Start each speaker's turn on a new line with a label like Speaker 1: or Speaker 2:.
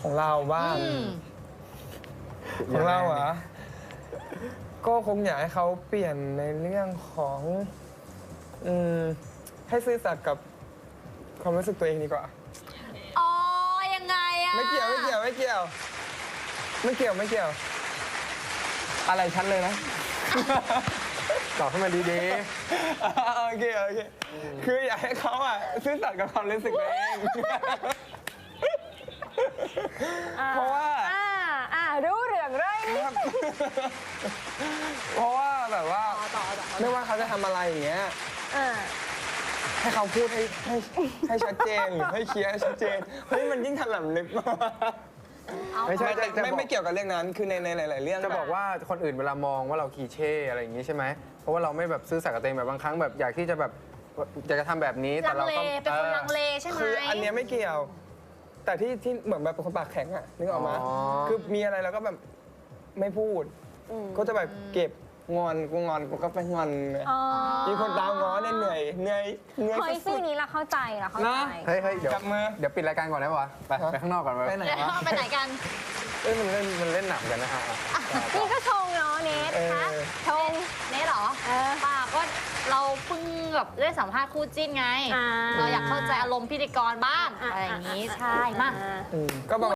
Speaker 1: ของเราบ้างของเราเหรอก็คงอยากให้เขาเปลี่ยนในเรื่องของให้ซื่อสัตย์กับความรู้สึกตัวเองดีกว่า
Speaker 2: อ๋อยังไงอะ
Speaker 1: ไม่เกี่ยวอะไรชัดเลยนะ
Speaker 3: ตอบให้มันดี
Speaker 1: โอเคคืออยากให้เขาซื่อสัตย์กับความรู้สึกตัวเองเพราะว่า
Speaker 2: รู้เรื่องเลย
Speaker 1: เพราะว่าแบบว่าไม่ว่าเขาจะทำอะไรอย่างเงี้ยให้เขาพูดให้ชัดเจนหรือให้เคลียร์ชัดเจนเฮ้ยมันยิ่งถลำลึกมากไม่ใช่ไม่เกี่ยวกับเรื่องนั้นคือในหลายๆเรื่อง
Speaker 3: จะบอกว่าคนอื่นเวลามองว่าเราคีเช่อะไรอย่างงี้ใช่ไหมเพราะว่าเราไม่แบบซื่อสัตย์กับตัวเองแบบบางครั้งแบบอยากที่จะแบบอยากจะทำแบบนี้แต่เราก็
Speaker 2: เป็นคนลังเลใช่ไหม
Speaker 1: คืออันเนี้ยไม่เกี่ยวแต่ที่เหมือนแบบเป็นคนปากแข็งนึกออกมาคือมีอะไรแล้วก็แบบไม่พูดก็จะแบบเก็บงอนกูก็ไปงอนมีคนตามง้อเนี่ยเหนื่อย
Speaker 2: เฮ้ยซีนี้เราเข้าใจ
Speaker 3: เฮ้ยเดี๋ยว
Speaker 1: จับมือ
Speaker 3: เดี๋ยวปิดรายการก่อนได้ปะไปข้างนอกก่อน
Speaker 1: ไปไหน
Speaker 2: กัน
Speaker 3: มันเล่นหนักกันนะฮะ
Speaker 2: นี่ก็ชงเนาะเนทคะชงเนทเหรอป่าก็เราเพิ่งแบบได้สัมภาษณ์คู่จิ้นไงเราอยากเข้าใจอารมณ์พิธีกรบ้างอะไรอย่างนี้ใช่มาก
Speaker 1: ก็